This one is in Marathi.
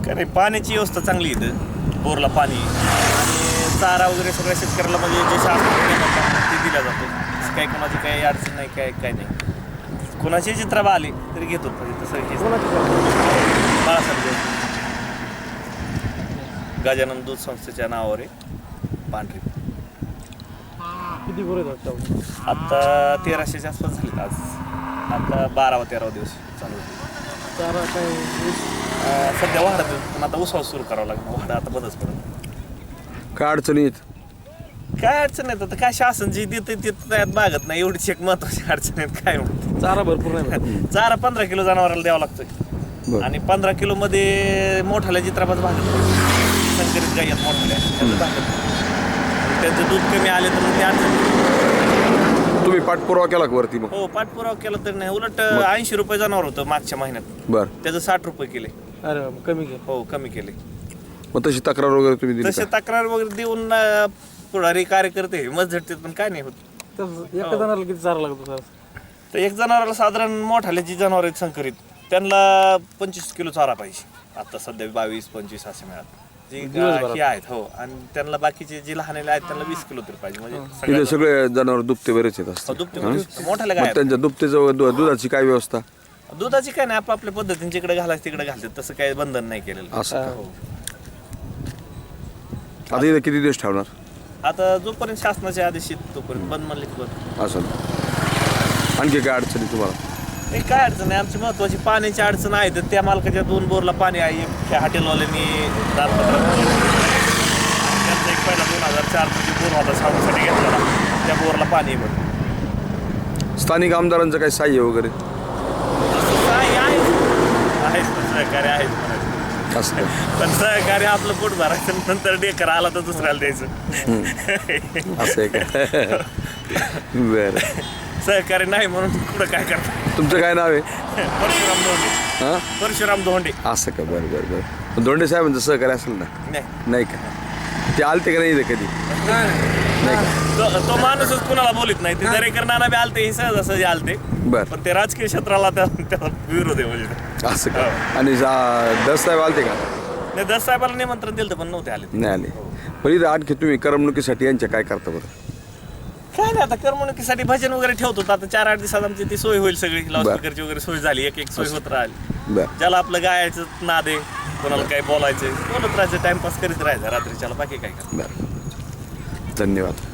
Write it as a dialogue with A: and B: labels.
A: काय नाही, पाण्याची व्यवस्था चांगली आहे इथं, बोरला पाणी आणि चारा वगैरे सगळ्या शेतकऱ्याला म्हणजे जे शासनाकडे देतात ते दिला जातो. काही कोणाची काही अडचण नाही, काय नाही. कोणाची चित्राबा आली तरी घेतो तसं हे बाळासाहेब गजानन दूध संस्थेच्या नावावर आहे पांढरी.
B: किती गुरु आहेत
A: आता 1300च्या आसपास झाले आज. आता 12वा-13वा दिवस चालू होते.
B: चारा काय
A: सध्या वाढत पण आता उसाव सुरू करावं लागणार. वाढा आता बंदच पडत.
C: काय अडचणी आहेत?
A: काय अडचण नाही, आता काय शासन जे देते ते त्यात मागत नाही. एवढीच एक महत्वाची अडचण आहे. काय म्हणते
B: चारा भरपूर नाही
A: चारा 15 किलो जनावराला द्यावा लागतोय आणि 15 किलो मध्ये मोठाल्या चित्रापास भागत संकरित गाई आहेत मोठाल्या त्याचं भागत. त्यांचं दूध कमी आले तर मग ते अडचण.
C: तुम्ही पाठपुरावा केला का वरती? मग
A: हो, पाठपुरावा केला तर नाही. उलट 80 रुपये जनावर होतं मागच्या महिन्यात.
C: बर,
A: त्याचं 60 रुपये केले.
B: अरे कमी घे.
A: हो, कमी केले.
C: मग तशी तक्रार वगैरे तुम्ही दिली
A: तसे
C: का?
A: तक्रार वगैरे देऊन पुढारी कार्यकर्ते हिंमत झटतात पण काय नाही होत.
B: तर एका जणाला किती चारा लागतो सर?
A: तर एक जनावराला साधारण मोठाले जी जनावर आहेत संकरित त्यांना 25 किलो चारा पाहिजे. आता सध्या 22-25 असे मिळात जी हे आहेत. हो, आणि त्यांना बाकीचे जे लहान आहेत त्यांना 20 किलो तरी पाहिजे. म्हणजे
C: इथे सगळे जनावर दुभते बरेच येत असतात.
A: दुभते मोठाले
C: मग
A: काय
C: त्यांच्या दुभतेचं दुधाची काय व्यवस्था?
A: दुधाची काय नाही, आपापल्या पद्धतीने जिकडे घालायचं तिकडे घालतात. तसं काही बंधन नाही केलेलं.
C: असं का?
A: हो.
C: आता इथे किती दिवस ठेवणार?
A: आता जोपर्यंत शासनाचे आदेश आहेत तोपर्यंत बंद म्हणले की बंद.
C: असं आणखी काय अडचणी तुम्हाला?
A: नाही, काय अडचण आहे. आमची महत्वाची पाण्याची अडचण आहे. तर त्या मालकाच्या 2 बोरला पाणी आहे. त्या हॉटेलवाल्यांनी दारपत्र त्यांचा एक पहिला 2004 मध्ये बोर होता सावण्यासाठी घेतलेला. त्या बोरला पाणी आहे बघ.
C: स्थानिक आमदारांचं काय सहाय्य वगैरे?
A: काय आहेच पण सहकार्य आहेच म्हणायचं.
C: असं का?
A: पण सहकार्य आपलं पोट भरायचं नंतर डेकर आला तर दुसऱ्याला द्यायचं.
C: असं आहे का? बरं.
A: सहकार्य नाही म्हणून कुठं काय करतात.
C: तुमचं काय नाव आहे?
A: परशुराम धोंडे.
C: हां,
A: परशुराम धोंडे.
C: असं का? बरं बरं बरं. दोंडे साहेबांचं सहकार्य असेल ना?
A: नाही,
C: नाही का? ते आलते का नाही इथे कधी? नाही का?
A: तो माणूसच कुणाला बोलत नाही. ते दरेकर नाना बी आलते, हे सहजासहजी आलते.
C: बरं,
A: पण ते राजकीय क्षेत्राला त्याला विरोध आहे म्हणजे.
C: असं का? आणि दस साहेब आलते का?
A: नाही, दस साहेबाला निमंत्रण दिलं पण नव्हते आले.
C: नाही आले. पण इथं आणखी तुम्ही करमणुकीसाठी यांच्या काय करता बरं?
A: काय नाही, आता करमणुकीसाठी भजन वगैरे ठेवतो. आता 4-8 दिवसात आमची ती सोय होईल सगळी. लाऊडस्पीकरची वगैरे सोय झाली. एक सोय होत राहिली.
C: बरं,
A: ज्याला आपलं गायचं नाद आहे, कोणाला काय बोलायचं बोलत राहायचं, टाइमपास करीत राहायचं रात्रीच्याला. बाकी काय.
C: बरं. धन्यवाद.